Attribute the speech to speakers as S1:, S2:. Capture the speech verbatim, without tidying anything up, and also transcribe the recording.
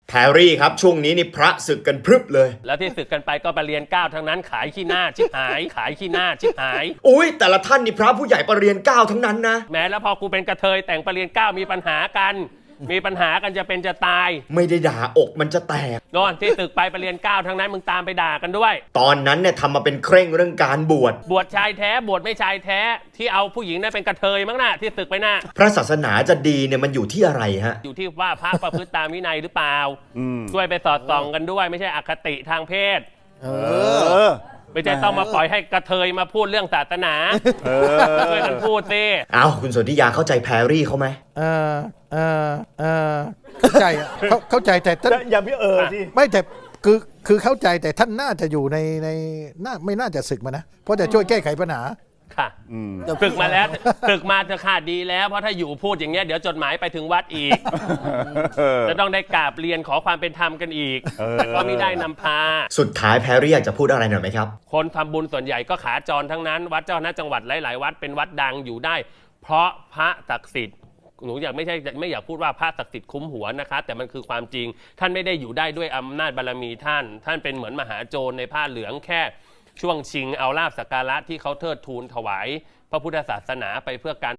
S1: แพรรี่ครับช่วงนี้นี่พระศึกกันพรึบเลย
S2: แล้วที่ศึกกันไปก็ไปเรียนเก้าทั้งนั้นขายขี้หน้าชิบหายขายขี้หน้าชิบหาย
S1: อุ้ยแต่ละท่านนี่พระผู้ใหญ่ประเรียนเก้าทั้งนั้นนะ
S2: แม้แล้วพอกูเป็นกระเทยแต่งประเรียนเก้ามีปัญหากันมีปัญหากันจะเป็นจะตาย
S1: ไม่ได้ด่าอกมันจะแตก
S2: โน่นที่ตึกไปประเรียนเก้าทั้งนั้นมึงตามไปด่ากันด้วย
S1: ตอนนั้นเนี่ยทำมาเป็นเคร่งเรื่องการบวช
S2: บวชชายแท้บวชไม่ชายแท้ที่เอาผู้หญิงนั่นเป็นกระเทยมั้งน่ะที่ตึกไปน่ะ
S1: พระศาสนาจะดีเนี่ยมันอยู่ที่อะไรฮะ
S2: อยู่ที่ว่าพระประพฤติตามวินัยหรือเปล่าช่วยไปสอดส่องกันด้วยไม่ใช่อคติทางเพศเออไม่ใช่ต้องมาปล่อยให้กระเทยมาพูดเรื่องศาสนาช่วยกันพูดสิ
S1: อ้าวคุณสนธิยาเข้าใจแพรรี่เขาไหม
S3: เออเออเออเข้าใจอ่ะเข้าใจแต่ท่าน
S4: อย่าพี่เออสิ
S3: ไม่แต่คือคือเข้าใจแต่ท่านน่าจะอยู่ในในน่าไม่น่าจะศึกมานะเพราะจะช่วยแก้ไขปัญหา
S2: ค่ะศึกมาแล้วศึกมาจะขาดดีแล้วเพราะถ้าอยู่พูดอย่างเงี้ยเดี๋ยวจดหมายไปถึงวัดอีกจะต้องได้กราบเรียนขอความเป็นธรรมกันอีกแต่ก็ไม่ได้นำพา
S1: สุดท้ายแพรรี่อยากจะพูดอะไรหน่อยไหมครับ
S2: คนทำบุญส่วนใหญ่ก็ขาจรทั้งนั้นวัดเจ้าคณะจังหวัดหลายๆวัดเป็นวัดดังอยู่ได้เพราะพระศักดิ์สิทธิ์หนูอยากไม่ใช่ไม่อยากพูดว่าพระศักดิ์สิทธิ์คุ้มหัวนะคะแต่มันคือความจริงท่านไม่ได้อยู่ได้ด้วยอำนาจบารมีท่านท่านเป็นเหมือนมหาโจรในผ้าเหลืองแค่ช่วงชิงเอาลาภสักการะที่เขาเทิดทูนถวายพระพุทธศาสนาไปเพื่อการ